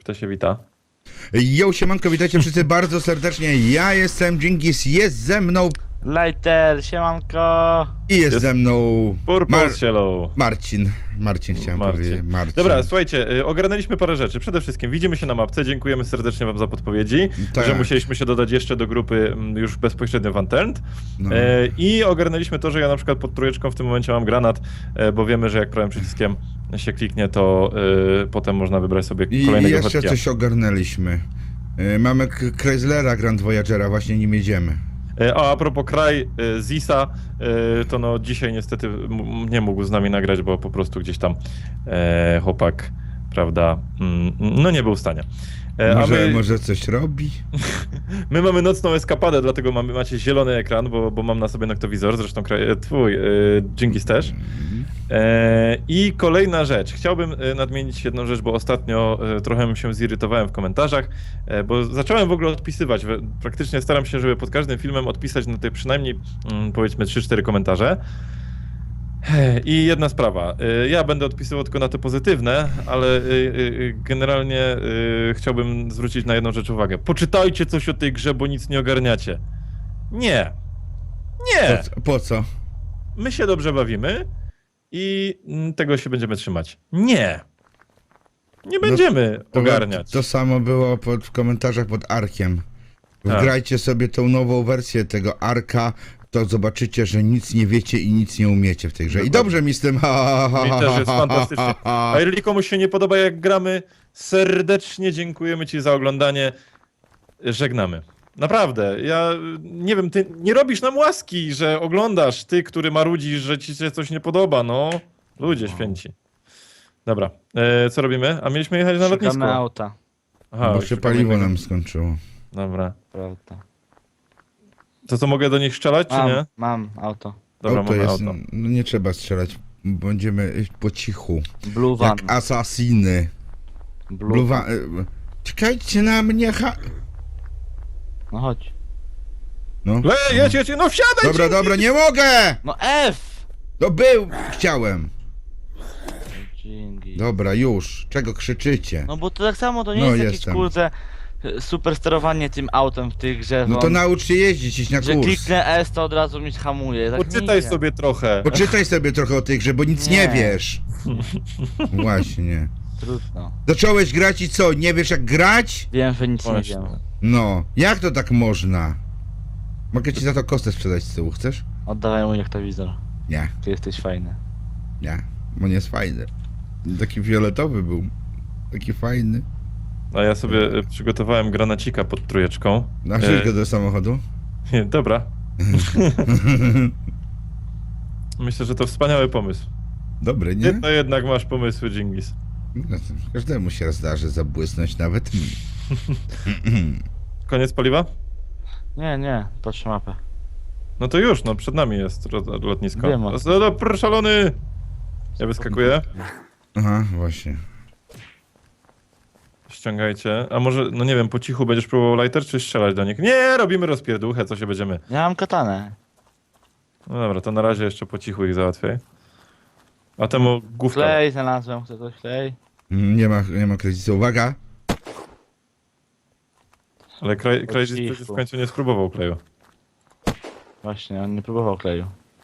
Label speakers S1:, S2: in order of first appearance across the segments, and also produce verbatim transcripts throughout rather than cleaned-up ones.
S1: kto się wita?
S2: Jo, siemanko, witajcie wszyscy bardzo serdecznie. Ja jestem Dżingis, jest ze mną
S3: Lighter, siemanko!
S2: i jest,
S1: Jest
S2: ze mną
S1: Purple
S2: Mar
S1: Cielo.
S2: Marcin. Marcin chciałem
S1: Marcin.
S2: powiedzieć. Marcin.
S1: Dobra, słuchajcie, y, ogarnęliśmy parę rzeczy. Przede wszystkim widzimy się na mapce, dziękujemy serdecznie wam za podpowiedzi,
S2: Tak.
S1: że musieliśmy się dodać jeszcze do grupy mm, już bezpośrednio w Unturned.
S2: No.
S1: E, I ogarnęliśmy to, że ja na przykład pod trójeczką w tym momencie mam granat, e, bo wiemy, że jak prawym przyciskiem się kliknie, to e, potem można wybrać sobie
S2: I
S1: kolejnego
S2: jeszcze
S1: chodźcia.
S2: coś ogarnęliśmy. Y, Mamy K- Chryslera Grand Voyagera, właśnie nim jedziemy.
S1: E, A, a propos kraj e, Zisa, e, to no dzisiaj niestety m- nie mógł z nami nagrać, bo po prostu gdzieś tam e, chłopak, prawda, mm, no nie był w stanie. E,
S2: Może,
S1: a my,
S2: może coś robi?
S1: my mamy nocną eskapadę, dlatego mamy, macie zielony ekran, bo, bo mam na sobie noktowizor, zresztą kraj, e, twój, e, Dżingis też. E, I kolejna rzecz. Chciałbym e, nadmienić jedną rzecz, bo ostatnio e, trochę się zirytowałem w komentarzach, e, bo zacząłem w ogóle odpisywać. We- Praktycznie staram się, żeby pod każdym filmem odpisać na te przynajmniej mm, powiedzmy trzy cztery komentarze. E, I jedna sprawa. E, Ja będę odpisywał tylko na te pozytywne, ale e, e, generalnie e, chciałbym zwrócić na jedną rzecz uwagę. Poczytajcie coś o tej grze, bo nic nie ogarniacie. Nie. Nie.
S2: Po, co- po co?
S1: My się dobrze bawimy i mm, tego się będziemy trzymać. Nie! Nie będziemy
S2: To,
S1: ogarniać.
S2: to samo było pod, w komentarzach pod Arkiem.
S1: Tak.
S2: Wgrajcie sobie tą nową wersję tego Arka, to zobaczycie, że nic nie wiecie i nic nie umiecie w tej grze. I
S1: Dokładnie.
S2: dobrze mi z tym. Ha, ha,
S1: Mi
S2: ha,
S1: też
S2: ha,
S1: jest
S2: ha,
S1: fantastycznie.
S2: ha, ha.
S1: A jeżeli komuś się nie podoba jak gramy, serdecznie dziękujemy ci za oglądanie. Żegnamy. Naprawdę, ja nie wiem, ty nie robisz nam łaski, że oglądasz, ty, który marudzisz, że ci się coś nie podoba, no. Ludzie święci. Dobra, e, co robimy? A mieliśmy jechać na
S3: Szukamy
S1: lotnisko.
S3: auta,
S1: Aha,
S2: Bo się
S1: szukamy
S2: paliwo
S1: innego.
S2: nam skończyło.
S1: Dobra.
S3: prawda.
S1: To co, mogę do nich strzelać, czy
S3: Mam,
S1: nie?
S3: mam auto.
S1: Dobra,
S2: auto
S1: mamy
S2: jest,
S1: auto.
S2: no nie trzeba strzelać. Będziemy iść po cichu.
S3: Blue van.
S2: Jak asasiny.
S3: Blue,
S2: Bluwa... y, Czekajcie na mnie, ha...
S3: No chodź.
S2: No.
S1: Le, jedź, jedź, no wsiadaj!
S2: Dobra,
S1: ci-
S2: dobra, nie mogę!
S3: No F!
S2: To był, chciałem.
S3: Dzięki.
S2: Dobra, już. Czego krzyczycie?
S3: No bo to tak samo to nie
S2: No,
S3: jest jakieś
S2: jestem.
S3: kurde super sterowanie tym autem w tych grze.
S2: No to naucz się jeździć, iść na
S3: Że
S2: kurs.
S3: kliknę S to od razu mi hamuje. Tak nie
S1: Poczytaj
S3: idzie.
S1: sobie trochę.
S2: Poczytaj sobie trochę o tej grze, bo nic nie,
S3: Nie.
S2: wiesz. Właśnie.
S3: Trudno.
S2: Zacząłeś grać i co? Nie wiesz jak grać?
S3: Wiem, że nic
S1: Właśnie.
S3: nie wiem.
S2: No. Jak to tak można? Mogę ci za to kostę sprzedać z tyłu, chcesz?
S3: Oddawaj mój noktowizor.
S2: Nie,
S3: Ty jesteś fajny.
S2: nie. Bo nie jest fajny. Taki fioletowy był. Taki fajny.
S1: A ja sobie e, przygotowałem granacika pod trójeczką.
S2: Na go do samochodu.
S1: E, dobra. Myślę, że to wspaniały pomysł.
S2: Dobry,
S1: Ty
S2: nie?
S1: to jednak masz pomysły, Dżingis.
S2: No, to każdemu się zdarzy zabłysnąć, nawet mi.
S1: Koniec paliwa?
S3: Nie, nie, patrzę mapę.
S1: No to już, no przed nami jest ro- lotnisko.
S3: Wiem o
S1: No, no, proszę, szalony! Ja wyskakuję.
S2: Aha, właśnie.
S1: Ściągajcie. A może, no nie wiem, po cichu będziesz próbował lighter, czy strzelać do nich? Nie, robimy rozpierduchę, co się będziemy.
S3: Ja mam katanę.
S1: No dobra, to na razie jeszcze po cichu ich załatwiaj. A temu główka.
S3: Klej znalazłem, chcę coś klej.
S2: Mm, Nie ma, nie ma kredytu. Uwaga!
S1: Ale kraj, kraj
S3: Po cichu.
S1: w końcu nie spróbował kleju.
S3: Właśnie, on nie próbował kleju.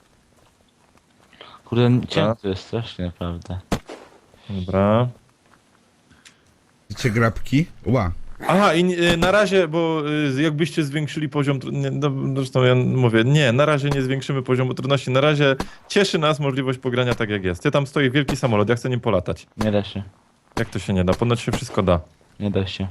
S3: Kurde, ciężko to jest strasznie, naprawdę.
S1: Dobra.
S2: Chcecie grabki? Ła.
S1: Aha, i y, na razie, bo y, jakbyście zwiększyli poziom, tru- nie, no, zresztą ja mówię, nie, na razie nie zwiększymy poziomu trudności, na razie cieszy nas możliwość pogrania tak jak jest. Ty tam stoi wielki samolot, ja chcę nim polatać.
S3: Nie da się,
S1: Jak to się nie da? Ponoć się wszystko da.
S3: nie da się.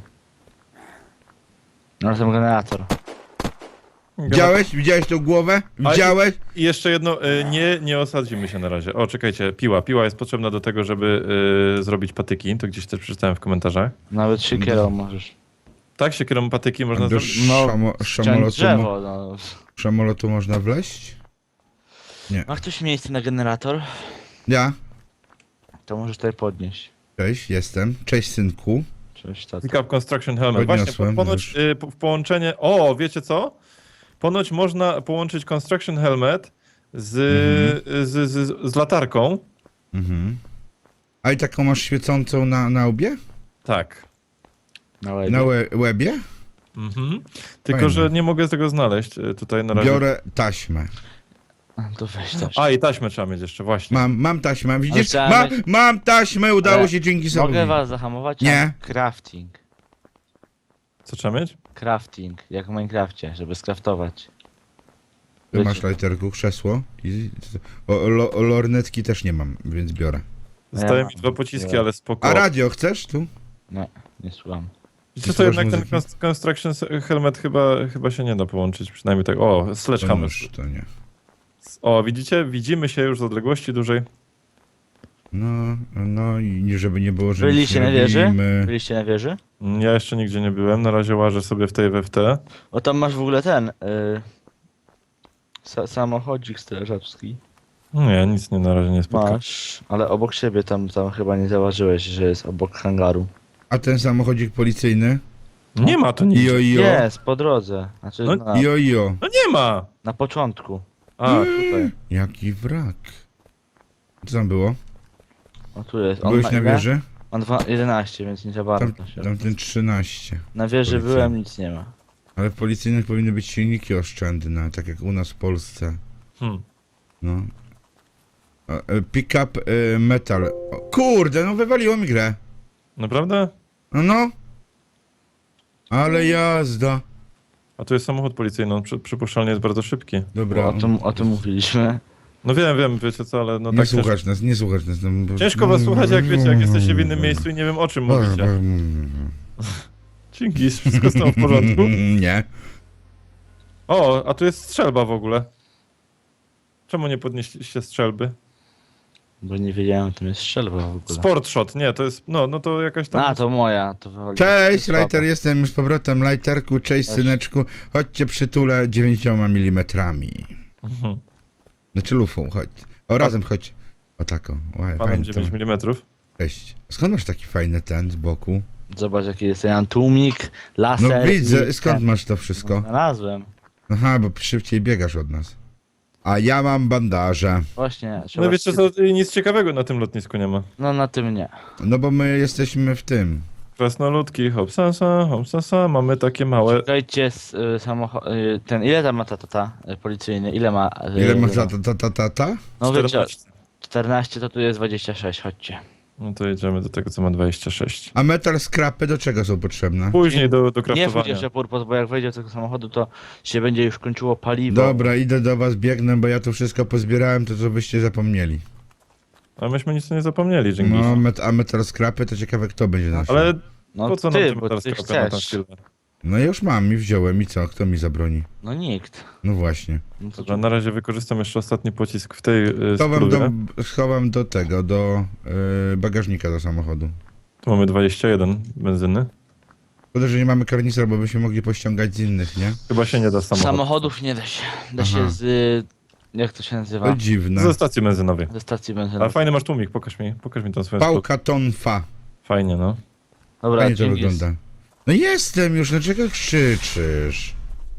S3: No ten generator.
S2: Widziałeś? Widziałeś tą głowę? Widziałeś?
S1: I jeszcze jedno, y, nie, nie osadzimy się na razie. O, czekajcie, piła. Piła jest potrzebna do tego, żeby y, zrobić patyki, to gdzieś też przeczytałem w komentarzach.
S3: Nawet siekierą możesz.
S1: Tak, siekierą patyki można
S2: Do
S1: zrobić.
S3: No,
S2: szamo,
S3: ściąć
S2: szamolotu, mo,
S3: drzewo, no.
S2: szamolotu można wleźć?
S3: Ma ktoś miejsce na generator?
S2: Ja?
S3: To możesz tutaj podnieść.
S2: Cześć, jestem. Cześć, synku.
S3: Cześć, tato.
S1: Pick up construction helmet. Właśnie, po,
S2: Podniosłem
S1: ponoć
S2: już.
S1: y, po, w połączenie. O, wiecie co? Ponoć można połączyć construction helmet z, z, z, z latarką.
S2: Mhm. A i taką masz świecącą na, na łbie?
S1: Tak.
S3: Na łebie.
S2: Na łe łebie?
S1: Mhm. Tylko,
S2: Fajne.
S1: że nie mogę tego znaleźć e, tutaj na razie.
S2: Biorę taśmę.
S3: To weź też.
S1: A, i taśmę trzeba mieć jeszcze, właśnie.
S2: Mam, mam taśmę, widzisz?
S3: trzeba
S2: Ma,
S3: mieć-
S2: mam taśmę, udało
S3: Ale
S2: się dzięki sobie.
S3: Mogę was zahamować?
S2: Nie.
S3: Mam Crafting.
S1: Co trzeba mieć?
S3: Crafting, jak w Minecrafcie, żeby skraftować.
S2: Ty masz lajterku, krzesło. I, o, lo, o, lornetki też nie mam, więc biorę.
S1: Zostały
S3: Ja
S1: mi
S3: mam.
S1: dwa pociski,
S3: Ja.
S1: ale spoko.
S2: A radio chcesz tu?
S3: Nie, nie słucham.
S1: Wiecie co,
S2: słuchasz
S1: jednak ten
S2: muzyki?
S1: Const- Construction Helmet chyba, chyba się nie da połączyć, przynajmniej tak. O,
S2: To
S1: Sledgehammer.
S2: nóż, to nie.
S1: O, widzicie? Widzimy się już z odległości dużej.
S2: No, no i nie, żeby nie było, że
S3: Byliście
S2: nic
S3: na
S2: nie
S3: wieży?
S2: robimy.
S3: Byliście na wieży?
S1: Mm, Ja jeszcze nigdzie nie byłem, na razie łażę sobie w tej w te.
S3: O, tam masz w ogóle ten... Y... Sa samochodzik strażacki.
S1: Nie, nic nie na razie nie spotkałem.
S3: Masz, ale obok siebie tam, tam chyba nie zauważyłeś, że jest obok hangaru.
S2: A ten samochodzik policyjny?
S1: Nie ma to nic.
S2: Ijo, ijo.
S3: Jest, po drodze. Znaczy
S1: No,
S3: na,
S2: Ijo, ijo.
S1: No nie ma!
S3: na początku.
S1: A, tutaj.
S2: Jaki wrak. Co tam było?
S3: O, tu jest. On
S2: Byłeś
S3: ma
S2: na
S3: ile?
S2: wieży?
S3: On dwa, jedenaście, więc nie za
S2: Tam,
S3: bardzo się.
S2: tam ten trzynaście.
S3: Na wieży
S2: policja.
S3: byłem, nic nie ma.
S2: Ale w policyjnych powinny być silniki oszczędne, tak jak u nas w Polsce.
S1: Hmm.
S2: No. A, e, Pick up e, metal. O, kurde, no wywaliło mi grę.
S1: Naprawdę?
S2: No no. Ale jazda.
S1: A tu jest samochód policyjny, on przy, przypuszczalnie jest bardzo szybki.
S2: Dobra.
S3: O tym, o tym mówiliśmy.
S1: No wiem, wiem, wiecie co, ale no
S2: Nie
S1: tak
S2: słuchać nas, nie słuchać nas. No, bo-
S1: ciężko was słuchać, jak wiecie, jak jesteście w innym miejscu i nie wiem o czym mówicie. Dzięki, wszystko stało w porządku.
S2: Nie.
S1: O, a tu jest strzelba w ogóle. Czemu nie podnieśliście strzelby?
S3: Bo nie wiedziałem, tam jest strzelba w ogóle.
S1: Sport shot, nie, to jest, no, no to jakaś tam...
S3: A, to moja. To wywaliłem.
S2: Cześć,
S3: Słabo.
S2: Lighter, jestem już z powrotem. Lighterku, cześć,
S3: Cześć.
S2: syneczku. Chodźcie przytulę dziewięcioma milimetrami.
S1: Mhm.
S2: Znaczy lufą, chodź. O, razem chodź. O tako. Ła-
S1: Panem
S2: fajnie
S1: dziewięć
S2: to.
S1: milimetrów.
S2: Cześć. Skąd masz taki fajny ten z boku?
S3: Zobacz, jaki jest ten tłumik, laser.
S2: No widzę,
S3: i
S2: skąd
S3: ten.
S2: masz to wszystko?
S3: Znalazłem.
S2: Aha, bo szybciej biegasz od nas. A ja mam bandaże.
S3: Właśnie. trzeba
S1: No wiecie
S3: się-
S1: co, nic ciekawego na tym lotnisku nie ma.
S3: No na tym nie.
S2: No bo my jesteśmy w tym.
S1: Krasnoludki, hopsasa, hopsasa, mamy takie małe...
S3: Czekajcie, z, y, samocho- y, ten, ile tam ma ta tata y, policyjny? Ile ma? Y,
S2: Ile ma ta ta ta ta ta? ta?
S3: No wiecie,
S1: czternaście.
S3: czternaście to tu jest dwadzieścia sześć, chodźcie.
S1: No to jedziemy do tego, co ma dwadzieścia sześć.
S2: A metal scrapy do czego są potrzebne?
S1: Później do, do
S3: Nie wchodź
S1: kraftowania.
S3: jeszcze purpos, bo jak wejdzie do tego samochodu, to się będzie już kończyło paliwo.
S2: Dobra, idę do was, biegnę, bo ja tu wszystko pozbierałem, to co byście zapomnieli.
S1: A myśmy nic nie zapomnieli, dzięki.
S2: No, met a metal scrapy to ciekawe kto będzie nosił.
S1: Ale
S3: No
S1: po co
S3: ty,
S1: nam tym
S3: bo
S1: teraz
S3: ty
S1: skrapy na tą
S3: chcesz.
S1: chwilę?
S2: No już mam i wziąłem i co? Kto mi zabroni?
S3: No nikt.
S2: No właśnie.
S3: No to
S1: Dobra, na razie wykorzystam jeszcze ostatni pocisk w tej y,
S2: Schowam
S1: spróbie.
S2: do, schowam do tego, do y, bagażnika do samochodu.
S1: Tu mamy dwadzieścia jeden benzyny.
S2: Szkoda, że nie mamy karnicera, bo byśmy mogli pościągać z innych, nie?
S1: Chyba się nie da z samochodu.
S3: Samochodów nie da się. Da
S2: Aha.
S3: się z... y, Jak to się nazywa?
S2: To dziwne.
S1: Ze stacji benzynowej.
S3: Ze stacji
S1: Ale
S3: benzynowej.
S1: fajny masz tłumik, pokaż mi, pokaż mi tą swoją spróbę.
S2: Pałka tonfa.
S1: Fajnie, no.
S3: Dobra,
S2: Fajnie to
S3: dzięki.
S2: wygląda. No jestem już, dlaczego krzyczysz?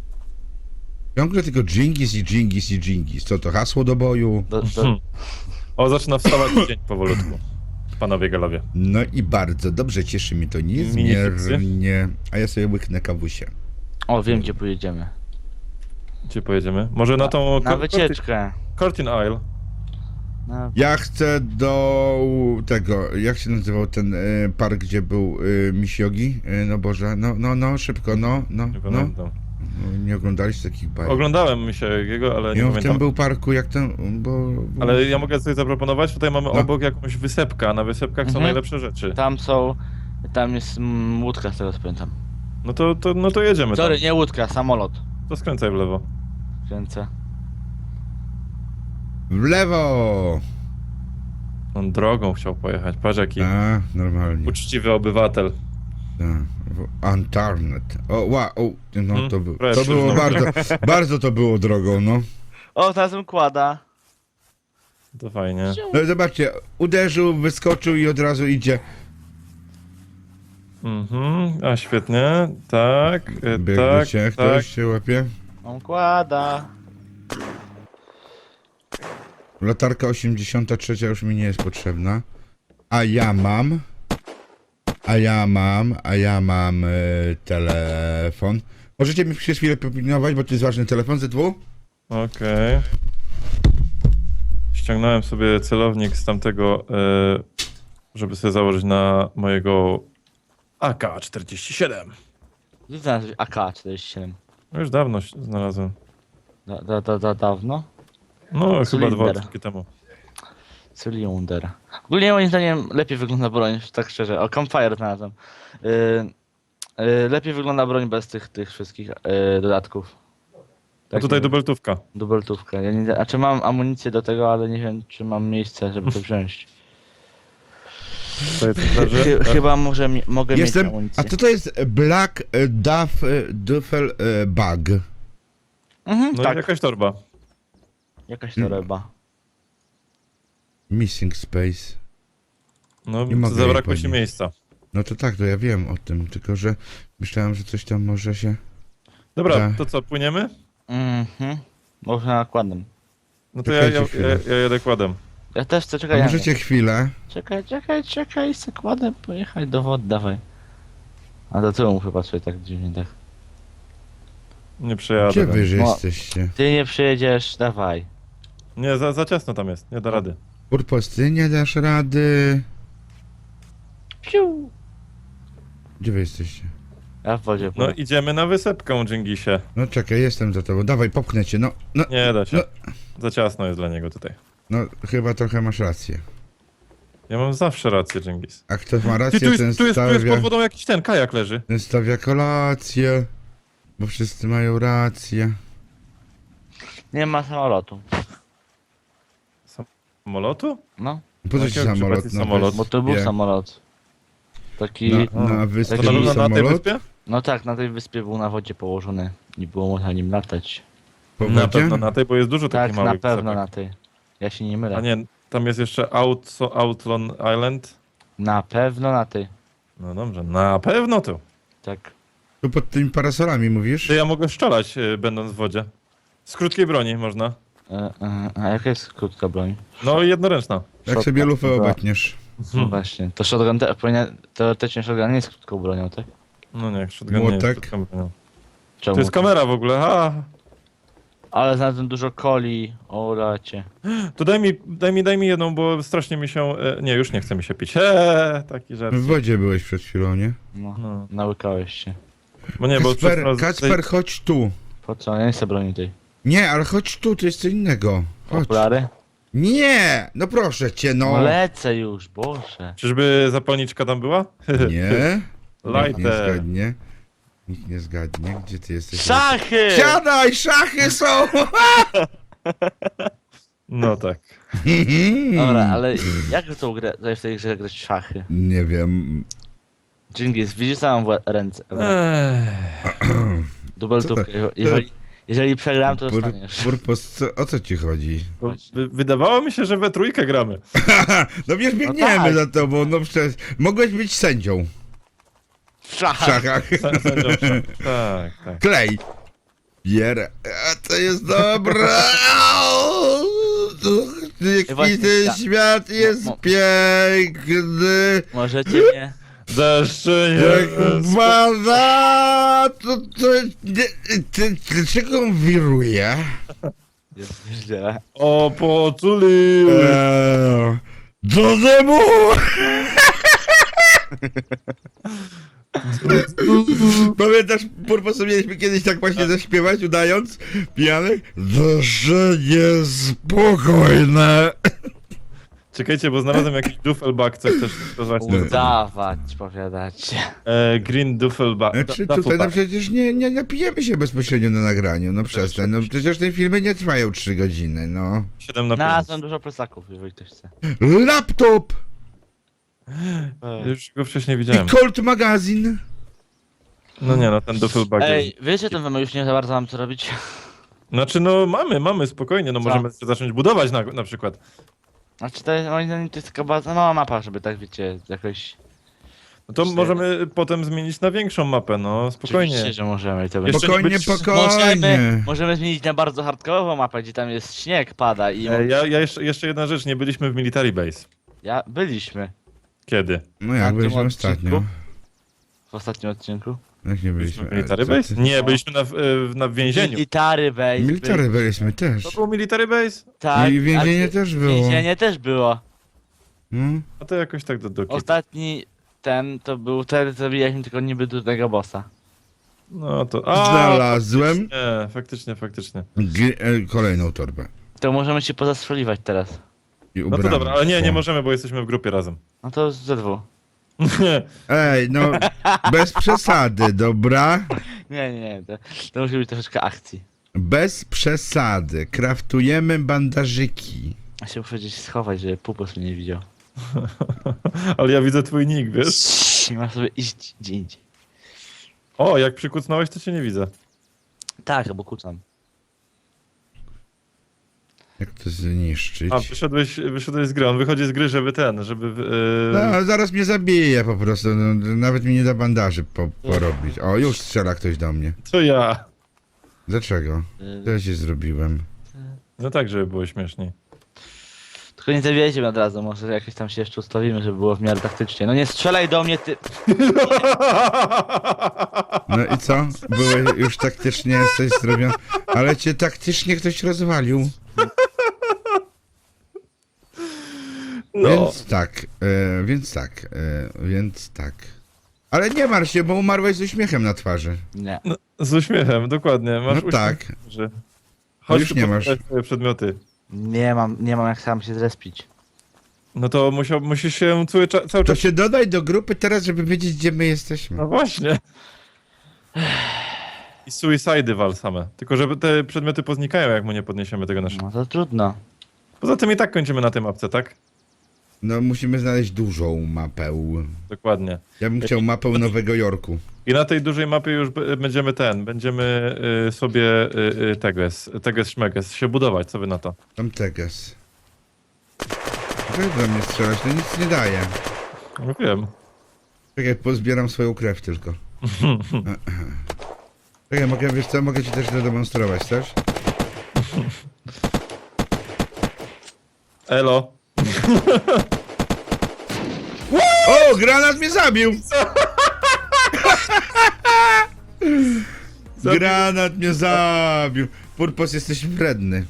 S2: Ciągle tylko Dżingis i Dżingis i Dżingis. Co to, hasło do boju?
S3: Do, do,
S1: Hmm. O, zaczyna wstawać dzień powolutku. Panowie galowie.
S2: No i bardzo dobrze, cieszy mnie to
S1: Minifiksy?
S2: niezmiernie. A ja sobie łyknę kawusie.
S3: o, wiem gdzie pojedziemy.
S1: Gdzie pojedziemy? Może na tą...
S3: Na
S1: Cor-
S3: wycieczkę.
S1: Curtin Isle.
S3: Na...
S2: Ja chcę do tego, jak się nazywał ten y, park, gdzie był y, Misiogi? Y, no Boże, no, no, no, szybko, no, no,
S1: Nie
S2: no.
S1: pamiętam.
S2: No, nie oglądaliście takich bajek.
S1: Oglądałem mi się jego, ale nie
S2: I on w
S1: pamiętam.
S2: tym był parku, jak ten, bo... bo...
S1: Ale ja mogę coś zaproponować? Tutaj mamy
S2: No.
S1: obok jakąś wysepkę, a na wysepkach są
S3: Mhm.
S1: najlepsze rzeczy.
S3: Tam są... Tam jest mm, łódka, z tego co pamiętam.
S1: No to, to, no to jedziemy tam.
S3: Sorry, nie łódka, samolot.
S1: To skręcaj w lewo.
S3: Kręcę.
S2: W lewo!
S1: On drogą chciał pojechać. Patrz jaki
S2: A, normalnie.
S1: uczciwy obywatel.
S2: Tak, w- Antarnet. O, ła, o, no
S1: Hmm,
S2: to, był,
S1: proszę,
S2: to było
S1: no.
S2: bardzo, bardzo to było drogą, no.
S3: O, teraz bym kłada.
S1: To fajnie.
S2: No zobaczcie, uderzył, wyskoczył i od razu idzie.
S1: Mhm, a świetnie. Tak, e,
S2: Biegnie
S1: tak,
S2: się,
S1: tak.
S2: ktoś się łapie.
S3: On kłada.
S2: Latarka osiemdziesiąta trzecia już mi nie jest potrzebna. A ja mam... A ja mam, a ja mam e, telefon. Możecie mi przez chwilę popilnować, bo to jest ważny telefon ze dwóch?
S1: Okej. Ściągnąłem sobie celownik z tamtego, e, żeby sobie założyć na mojego A K czterdzieści siedem.
S3: Gdzie znalazłeś A K czterdzieści siedem?
S1: No już dawno się znalazłem.
S3: Da, da, da, da, dawno?
S1: No, chyba dwa
S3: Cylinder.
S1: odcinki temu.
S3: Cylinder. Ogólnie moim zdaniem lepiej wygląda broń, tak szczerze. O, Campfire znalazłem. Yy, yy, lepiej wygląda broń bez tych, tych wszystkich yy, dodatków.
S1: A
S3: Tak,
S1: tutaj
S3: nie wiem.
S1: dubeltówka.
S3: Dubeltówkę. Ja nie, znaczy mam amunicję do tego, ale nie wiem, czy mam miejsce, żeby to wziąć.
S1: Tutaj coś leży.
S3: Chy, chyba może mi, mogę
S2: Jestem.
S3: mieć amunicję.
S2: A co to jest Black e, Duff e, Duffel e, Bag?
S3: Mhm,
S1: No i
S3: tak,
S1: jakaś torba.
S3: jakaś toreba.
S2: Missing Space.
S1: No,
S2: Nie mogę jej
S1: zabrakło ci
S2: podnieść.
S1: miejsca.
S2: No to tak, to ja wiem o tym, tylko że myślałem, że coś tam może się...
S1: Dobra,
S2: Tak.
S1: to co, płyniemy?
S3: Mhm. Może nakładem.
S1: No to ja, ja,
S2: Czekajcie
S1: ja,
S2: chwilę.
S1: ja jedę kładem.
S3: Ja też chcę,
S2: A
S3: czekaj, ja
S2: możecie chwilę?
S3: Czekaj, czekaj, czekaj, sekładę pojechać do wody, dawaj. A do tyłu muszę patrzeć tak dziwnie, tak.
S1: Nie przejadę.
S2: Gdzie
S1: tam.
S2: wy że
S3: No.
S2: jesteście?
S3: Ty nie przyjedziesz, dawaj.
S1: Nie, za, za ciasno tam jest, nie da rady.
S2: Purpos, ty nie dasz rady.
S3: Piu.
S2: Gdzie wy jesteście?
S3: Ja w wodzie
S1: No
S3: płynę.
S1: idziemy na wysepkę, Dżingisie.
S2: No czekaj, jestem za tobą. Dawaj, popchnę cię. No, no,
S1: Nie da się.
S2: No.
S1: Za ciasno jest dla niego tutaj.
S2: no, chyba trochę masz rację.
S1: Ja mam zawsze rację, Dżingis.
S2: A kto ma
S1: Ty,
S2: rację,
S1: tu jest,
S2: ten
S1: tu jest, tu jest
S2: stawia,
S1: pod wodą jakiś ten kajak leży.
S2: ten stawia kolację. Bo wszyscy mają rację.
S3: Nie ma samolotu.
S1: Samolotu?
S3: No,
S2: Po co ci
S1: Jakiego
S2: samolot?
S1: przypadku
S2: na
S1: samolot?
S3: bo to był
S2: wyspie?
S3: samolot. Taki...
S2: Na, na
S1: To
S2: wyspie
S1: na
S3: Taki
S1: pewno na tej
S2: samolot?
S1: wyspie?
S3: No tak, na tej wyspie był na wodzie położony. Nie było można nim latać.
S2: Po
S1: Na
S2: wodzie?
S1: pewno na tej, bo jest dużo
S3: Tak,
S1: takich
S3: na
S1: małych
S3: pewno
S1: wysepek.
S3: na tej. Ja się nie mylę.
S1: A nie, tam jest jeszcze Out, Outlon Island.
S3: Na pewno na tej.
S1: No dobrze, na pewno tu.
S3: Tak.
S2: Tu pod tymi parasolami mówisz?
S1: Czy ja mogę strzelać, y, będąc w wodzie? Z krótkiej broni można.
S3: E, e, a jaka jest krótka broń?
S1: No i jednoręczna.
S2: Jak sobie lufę
S3: Dobra.
S2: obetniesz.
S3: No właśnie. To shotgun te, powinien, teoretycznie shotgun nie jest krótką bronią, tak?
S1: No nie, shotgun nie jest
S2: Młotek?
S1: krótką bronią.
S3: Czemu?
S1: To jest kamera w ogóle, ha!
S3: Ale znalazłem dużo coli, o racie.
S1: To daj mi, daj mi, daj mi jedną, bo strasznie mi się... E, nie, już nie chce mi się pić. Eee, taki żart.
S2: W wodzie byłeś przed chwilą, nie?
S3: No,
S1: No.
S3: nałykałeś się.
S1: Bo nie, bo
S2: Kacper,
S1: przez raz-
S2: Kacper, chodź tu.
S3: Po co? Ja nie chcę broni tej.
S2: Nie, ale chodź tu, to jest co innego. Chodź.
S3: Okulary?
S2: Nie! No proszę cię,
S3: No
S2: no.
S3: lecę już, Boże.
S1: Czyżby zapalniczka tam była?
S2: Nie? Nikt nie
S1: Lighter.
S2: zgadnie. Nikt nie zgadnie. Gdzie ty jesteś?
S3: Szachy!
S2: Siadaj, szachy są!
S1: No tak.
S3: Dobra, ale jak w tą grę, w tej grze grać w szachy?
S2: Nie wiem.
S3: Dżingis, widzisz co mam w ręce?
S1: Eee.
S3: Dubeltówkę. Jeżeli, jeżeli przegram, to
S2: Pur,
S3: dostaniesz.
S2: purpos, co, o co ci chodzi?
S1: Wy- Wydawało mi się, że we trójkę gramy.
S2: No wiesz, biegniemy
S3: tak.
S2: za tobą, no przecież. Mogłeś być sędzią
S3: W
S2: w
S3: szachach.
S2: szachach.
S1: Sa- sędzią w szach. Tak, tak.
S2: Klej. Bier. A to jest dobre. Jaki
S3: Właśnie,
S2: ten
S3: ja-
S2: świat jest
S3: mo- mo-
S2: piękny.
S3: Możecie mnie...
S1: Deszcze
S2: Jak
S1: nie...
S2: pada, to, to nie, ty, dlaczego on wiruje?
S3: Jest źle.
S1: O, poczuli!
S2: Eee, do dymu! Pamiętasz, Purposu, mieliśmy kiedyś tak właśnie zaśpiewać, udając pijanych? Dusze niespokojne.
S1: Czekajcie, bo znalazłem jakiś duffelbag, co chcesz to właśnie.
S3: Udawać, powiadacie.
S1: E, green duffelbag.
S2: Znaczy tutaj no przecież nie, nie napijemy się bezpośrednio na nagraniu, no przestań, no przecież te filmy nie trwają trzy godziny, no.
S1: siedem na
S3: Znalazłem dużo plecaków, jeżeli ktoś chce.
S2: Laptop
S1: pięć. Już go wcześniej
S2: i
S1: widziałem.
S2: Colt magazyn.
S1: No nie no, ten duffelbag
S3: Ej,
S1: jest...
S3: wiecie, ten wam już nie za bardzo mam co robić?
S1: Znaczy no mamy, mamy, spokojnie, no
S3: Co?
S1: możemy zacząć budować na, na przykład.
S3: Znaczy to jest, moim zdaniem to jest taka bardzo mała mapa, żeby tak wiecie, jakoś...
S1: No to
S3: Cztery.
S1: możemy potem zmienić na większą mapę, no spokojnie.
S3: Oczywiście, że możemy i to będzie...
S1: Jeszcze
S2: Spokojnie,
S1: nie być-
S3: Możemy,
S2: spokojnie.
S3: możemy zmienić na bardzo hardkorową mapę, gdzie tam jest śnieg, pada i...
S1: E, ja, ja jeszcze, jeszcze jedna rzecz, nie byliśmy w Military Base.
S3: Ja... Byliśmy.
S1: Kiedy?
S2: No jak
S3: tym
S2: byliśmy
S3: odcinku?
S2: ostatnio?
S3: W ostatnim odcinku.
S2: Jak nie
S1: Byliśmy
S2: byliśmy?
S1: w Military
S2: E, co
S1: Base?
S2: ty?
S1: Nie, byliśmy na, w- e, na więzieniu.
S3: Military base.
S2: Military byliśmy też.
S1: To było Military Base?
S3: Tak.
S2: I więzienie
S3: ale-
S2: też było.
S3: Więzienie też było.
S2: No.
S1: A to jakoś tak do, do kitu.
S3: Ostatni ten to był ten, zabijaliśmy tylko niby dużego bossa.
S1: No to... A,
S2: Znalazłem
S1: Nie, faktycznie, faktycznie.
S2: g- e, kolejną torbę.
S3: To możemy się pozastrzeliwać teraz.
S2: I
S1: No to
S2: ubrałem
S1: dobra, ale nie, nie
S2: się.
S1: możemy, bo jesteśmy w grupie razem.
S3: No to ze dwu.
S2: Ej, no bez przesady, dobra?
S3: Nie, nie, nie. To, to musi być troszeczkę akcji.
S2: Bez przesady. Kraftujemy bandażyki.
S3: Ja się muszę gdzieś schować, żeby pupus mnie nie widział.
S1: Ale ja widzę twój nick, wiesz?
S3: I masz sobie iść gdzie indziej.
S1: O, jak przykucnąłeś, to cię nie widzę.
S3: Tak, bo kucam.
S2: Jak to zniszczyć?
S1: A, wyszedłeś, wyszedłeś z gry. On wychodzi z gry, żeby ten, żeby... Yy...
S2: No, zaraz mnie zabije po prostu. No, nawet mi nie da bandaży po, porobić. O, już strzela ktoś do mnie.
S1: To ja.
S2: Dlaczego? Co ja się zrobiłem?
S1: No tak, żeby było śmieszniej.
S3: Tylko nie zabijajcie mnie od razu, może jakoś tam się jeszcze ustawimy, żeby było w miarę taktycznie. No nie strzelaj do mnie, ty...
S2: No i co? Były już taktycznie jesteś zrobiony. Ale cię taktycznie ktoś rozwalił.
S1: No.
S2: Więc tak, e, więc tak, e, więc tak. Ale nie martw się, bo umarłeś z uśmiechem na twarzy.
S3: Nie.
S1: No, z uśmiechem, dokładnie. Masz
S2: No
S1: uśmiech
S2: tak.
S1: na twarzy. Chodź
S2: już
S1: tu
S2: nie masz.
S1: podać swoje przedmioty.
S3: Nie mam, nie mam jak sam się zrespić.
S1: No to musiał, musisz się cały, cza- cały
S2: To
S1: czas...
S2: się dodaj do grupy teraz, żeby wiedzieć, gdzie my jesteśmy.
S1: No właśnie. I suicidy wal same. Tylko żeby te przedmioty poznikają, jak mu nie podniesiemy tego naszego.
S3: No to trudno.
S1: Poza tym i tak kończymy na tej mapce, tak?
S2: No musimy znaleźć dużą mapę.
S1: Dokładnie.
S2: Ja bym chciał mapę Nowego Jorku.
S1: I na tej dużej mapie już b- będziemy ten, będziemy y, sobie y, y, teges, teges szmeges się budować, co wy na to?
S2: Tam Teges. Dlaczego do mnie strzelać? To nic nie daje.
S1: No wiem.
S2: Czekaj, pozbieram swoją krew tylko. Czekaj, mogę, wiesz co, mogę ci też zademonstrować, chcesz?
S1: Elo.
S2: O, granat mnie zabił! Granat mnie zabił. Purpos, jesteś wredny.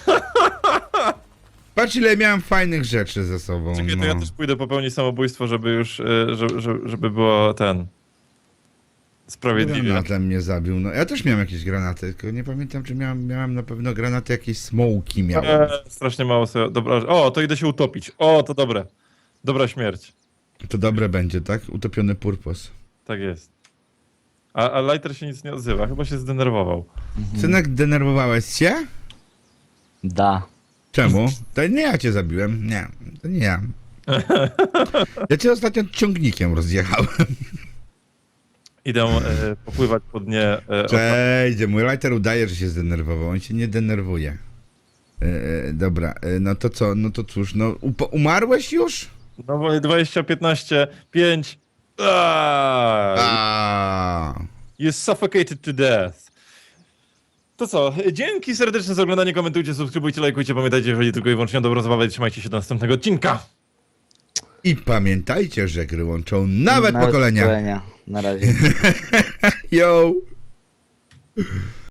S2: Patrz, ile miałem fajnych rzeczy ze sobą.
S1: Czekaj, to
S2: no.
S1: ja też pójdę popełnić samobójstwo, żeby już, y, żeby, żeby, żeby było ten... Sprawiedliwie.
S2: Granatem mnie zabił. No, ja też miałem jakieś granaty, tylko nie pamiętam, czy miałem, miałem na pewno granaty, jakieś smoki miałem.
S1: E, strasznie mało sobie... Dobra, o, to idę się utopić. O, to dobre. Dobra śmierć.
S2: To dobre będzie, tak? Utopiony purpos.
S1: Tak jest. A, a Lighter się nic nie odzywa, chyba się zdenerwował.
S2: Synek, denerwowałeś się?
S3: Da.
S2: Czemu? To nie ja cię zabiłem. Nie, to nie ja. Ja cię ostatnio ciągnikiem rozjechałem.
S1: Idę e, popływać po dnie. E,
S2: Cześć, mój lighter udaje, że się zdenerwował. On się nie denerwuje. E, e, dobra, e, no to co? No to cóż, no upo- umarłeś już?
S1: No bo dwadzieścia, piętnaście, pięć. Aaaa!
S2: A.
S1: You suffocated to death. To co? Dzięki serdeczne za oglądanie, komentujcie, subskrybujcie, lajkujcie, pamiętajcie, jeżeli tylko i wyłącznie o dobrą zabawę, trzymajcie się do następnego odcinka.
S2: I pamiętajcie, że gry łączą nawet pokolenia.
S3: pokolenia. Na razie.
S2: Yo!